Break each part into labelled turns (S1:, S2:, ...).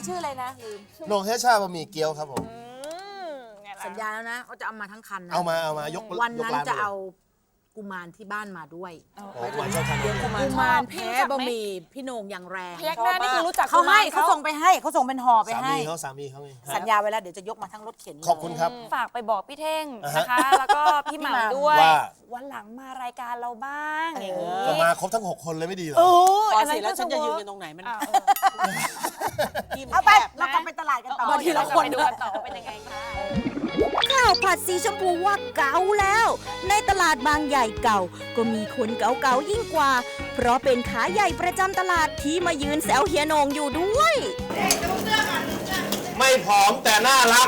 S1: ชื่ออะไรนะลืม
S2: โหน่งเฮชาบะหมี่เกี๊ยวครับผม
S1: สัญญาแล้วนะว่าจะเอามาทั้งคันนะ
S2: เอามายก
S1: วันนั้น
S2: ยกร้
S1: จะเอากุมารที่บ้านมาด้วย
S2: โอ้กุมารชอบทาน
S1: กุมารแพ้บะหมี่พี่โหน่งอย่างแรง
S3: พยักหน้านี่คือรู้จัก
S1: เขาให้
S3: กุมร
S1: เขาส่งไปให้เขาส่งเป็นห่อไป
S2: สา
S1: ให้
S2: มีเขาไง
S1: สัญญาไว้แล้วเดี๋ยวจะยกมาทั้งรถเข็นเลย
S2: ขอบคุณครับ
S3: ฝากไปบอกพี่เท่ง
S2: อ่าฮะ
S3: นะคะ แล้วก็พี่หม่ำด้วย
S2: ว่า
S3: วันหลังมารายการเราบ้างอย่างนี้
S2: ก็มาครบทั้ง 6 คนเลยไม่ดีเหรอ
S1: โอ้
S3: อั
S1: อัน
S3: นนั้
S1: นั้น
S3: น
S1: แล้วฉันจะยืน
S3: ก็
S1: กันตรงไหนมัน
S3: อ่า
S1: เอาไปเรากลับไปตลาดกันต่อ
S3: เอา
S1: ทีละคน
S3: ไปดูกันต่อว่าเป็นยังไงคะ
S4: ข้าวผัดสีชมพูว่าเก่าแล้ว ในตลาดบางใหญ่เก่า ก็มีคนเก่าๆยิ่งกว่า เพราะเป็นขาใหญ่ประจำตลาดที่มายืนแซวเฮียโหนงอยู่ด้วย
S2: ไม่ผอมแต่น่ารัก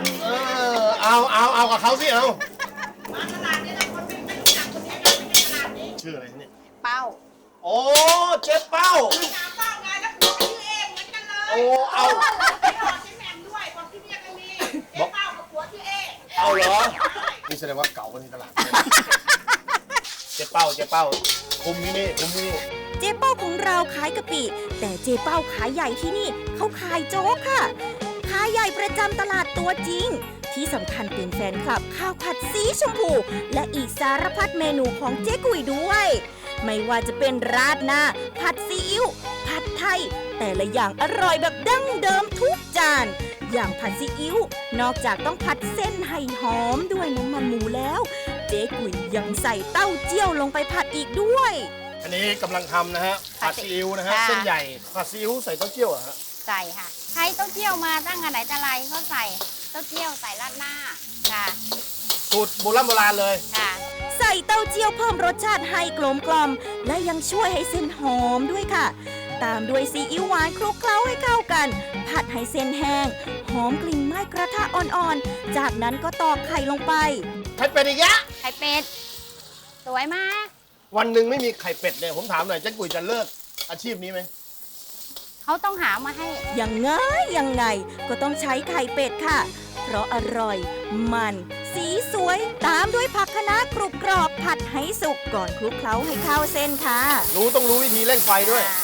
S2: เอากับเขาสิเอามาตลาดนี้คนไม่รู้จักคนนี้นะไม่ใช่ตลาดนี้ชื่ออะไรเนี่ย
S1: เป้า
S2: โอ้เจ๊เป้า
S5: เป้าไงแล้วผัวชื่อเองเหมือนกันเลย
S2: โอ้เอา
S5: ไปหอดใช้แหม่มด้วยบอกที่เนี่ยก็มีเจ๊เป้ากับผัวชื่อเอง
S2: เอาเหรอนี่แสดงว่าเก่ากว่าที่ตลาดเจ๊เป้าคุมที่นี่
S4: เจ๊เป้าของเราขายกะปิ แต่เจ๊เป้าขายใหญ่ที่นี่เขาขายโจ๊กค่ะ ขายใหญ่ประจำตลาดตัวจริง ที่สำคัญเป็นแฟนคลับข้าวผัดสีชมพู และอีกสารพัดเมนูของเจ๊กุยด้วย ไม่ว่าจะเป็นราดหน้า ผัดซีอิ๊วผัดไทย แต่ละอย่างอร่อยแบบดั้งเดิมทุกจาน อย่างผัดซีอิ๊วนอกจากต้องผัดเส้นให้หอมด้วยน้ำมันหมูแล้ว เจ๊กุยยังใส่เต้าเจี้ยวลงไปผัดอีกด้วย
S2: อันนี้กำลังทำนะฮะผัดซีอิ๊วนะฮะ
S6: ค่ะ
S2: เส้นใหญ่ผัดซีอิ๊วใส่เต้าเจี้ยวเหรอฮะ
S6: ใส่ค่ะใช้เต้าเจี้ยวมาตั้งแต่ไหนแต่ไรก็ใส่เต้าเจี้ยวใส่ราดหน้าค่ะ
S2: สูตรโบราณเลย
S6: ค่ะ
S4: ใส่เต้าเจี้ยวเพิ่มรสชาติให้กลมกล่อม และยังช่วยให้เส้นหอมด้วยค่ะ ตามด้วยซีอิ๊วหวานคลุกเคล้าให้เข้ากัน ผัดให้เส้นแห้ง หอมกลิ่นไหม้กระทะอ่อนๆ จากนั้นก็ตอกไข่ลงไป
S2: ไข่เป็ดอีกแล้ว
S6: ไข่เป็ด สวยมาก
S2: วันหนึ่งไม่มีไข่เป็ดเนี่ยผมถามหน่อยเจ๊กุยจะเลิกอาชีพนี้ไหม
S6: เขาต้องหามาให้
S4: ยังไงก็ต้องใช้ไข่เป็ดค่ะ เพราะอร่อย มัน สีสวย ตามด้วยผักคะน้ากรุบกรอบผัดให้สุกก่อนคลุกเคล้าให้เข้าเส้นค่ะ
S2: ต้องรู้วิธีเร่งไฟด้วย
S6: ค่ะ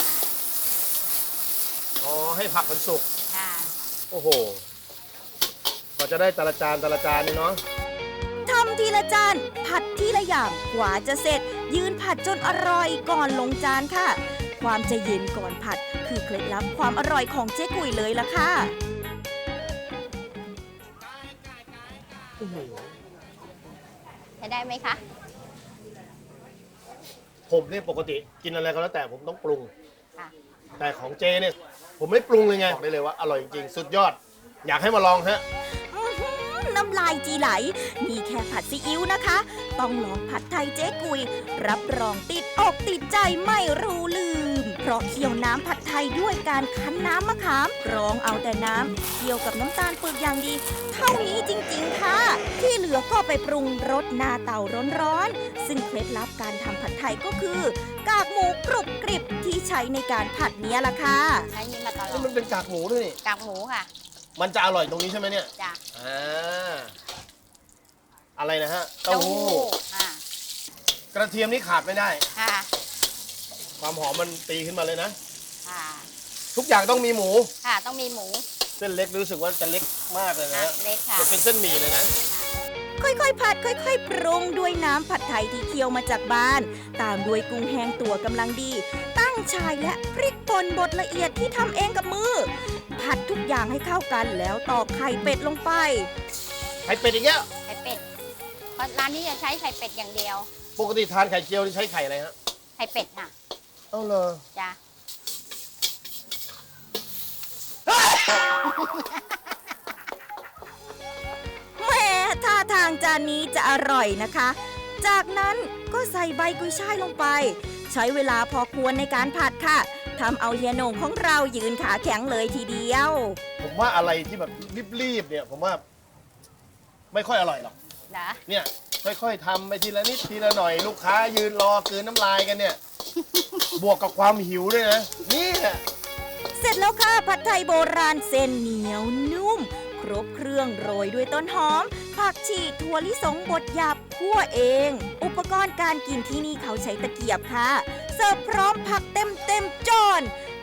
S2: อ๋อให้ผักมันสุก
S6: ค่ะ
S2: โอ้โหก็จะได้แต่ละจานนี่เนาะ
S4: ทำทีละจาน ผัดทีละอย่างกว่าจะเสร็จ ยืนผัดจนอร่อยก่อนลงจานค่ะ ความใจเย็นก่อนผัด คือเคล็ดลับความอร่อยของเจ๊กุยเลยล่ะค่ะ
S6: ใช้ได้ไหมคะ
S2: ผมเนี่ยปกติกินอะไรก็แล้วแต่ผมต้องปรุง
S6: ค่ะ
S2: แต่ของเจเนี่ยผมไม่ปรุงเลยไงบอกได้เลยว่าอร่อยจริงๆสุดยอด อยากให้มาลองฮะ
S4: อื้อหือน้ำลายจีไหล นี่แค่ผัดซีอิ๊วนะคะ ต้องลองผัดไทยเจ๊กุย รับรองติดอกติดใจไม่รู้ลืม เพราะเคี่ยวน้ำผัดไทยด้วยการคั้นน้ำมะขามกรองเอาแต่น้ำเคี่ยวกับน้ำตาลปึกอย่างดี เท่านี้จริงๆค่ะ ที่เหลือก็ไปปรุงรสหน้าเตาร้อนๆ ซึ่งเคล็ดลับการทำผัดไทยก็คือ กากหมูกรุบกริบที่ใช้ในการผัดเนี้ยล่ะค่ะ
S6: ใช้นี้มาตลอ
S2: นี่
S6: ด
S2: มันเป็นกากหมูด้วยนี่
S6: กากหมูค่ะ
S2: มันจะอร่อยตรงนี้ใช่ไหมเนี่ย
S6: จ้ะ
S2: อะไรนะฮะเต้าหู้
S6: ค่ะ
S2: กระเทียมนี่ขาดไม่ได้
S6: ค่ะ
S2: ความหอมมันตีขึ้นมาเลยนะ
S6: ค่ะ
S2: ทุกอย่างต้องมีหมู
S6: ค่ะต้องมีหมู
S2: เส้นเล็กรู้สึกว่าจะเล็กมากเลยนะ
S6: ค่ะ
S2: ฮะ
S6: เล็กค่ะ
S2: จะเป็นเส้นหมี่เลยนะ
S4: ค่อยๆ ผัด ค่อยๆ ปรุงด้วยน้ำผัดไทยที่เคี่ยวมาจากบ้าน ตามด้วยกุ้งแห้งตัวกำลังดี ตั้งชายและพริกป่นบดละเอียดที่ทำเองกับมือ ผัดทุกอย่างให้เข้ากันแล้วตอกไข่เป็ดลงไป
S2: ไข่เป็ดอีกแล้ว
S6: ไข่เป็ด เพราะร้านนี้จะใช้ไข่เป็ดอย่างเดียว
S2: ปกติทานไข่เจียวนี่ใช้ไข่อะไรฮะ
S6: ไข่เป็ดค่ะ
S2: เอาเลย
S6: จ้ะ
S4: แหม่ท่าทางจานนี้จะอร่อยนะคะ จากนั้นก็ใส่ใบกุยช่ายลงไป ใช้เวลาพอควรในการผัดค่ะทำเอาเฮียโหน่งของเรายืนขาแข็งเลยทีเดียว
S2: ผมว่าอะไรที่แบบรีบๆเนี่ยผมว่าไม่ค่อยอร่อยหรอก
S6: นะ
S2: เนี่ยค่อยๆทำไปทีละนิดทีละหน่อยลูกค้ายืนรอกลืนน้ำลายกันเนี่ย บวกกับความหิวด้วยนะนี่แหละ
S4: เสร็จแล้วค่ะผัดไทยโบราณเส้นเหนียวนุ่ม ครบเครื่องโรยด้วยต้นหอม ผักชีถั่วลิสงบดหยาบคั่วเอง อุปกรณ์การกินที่นี่เขาใช้ตะเกียบค่ะ เสิร์ฟพร้อมผักเต็มจาน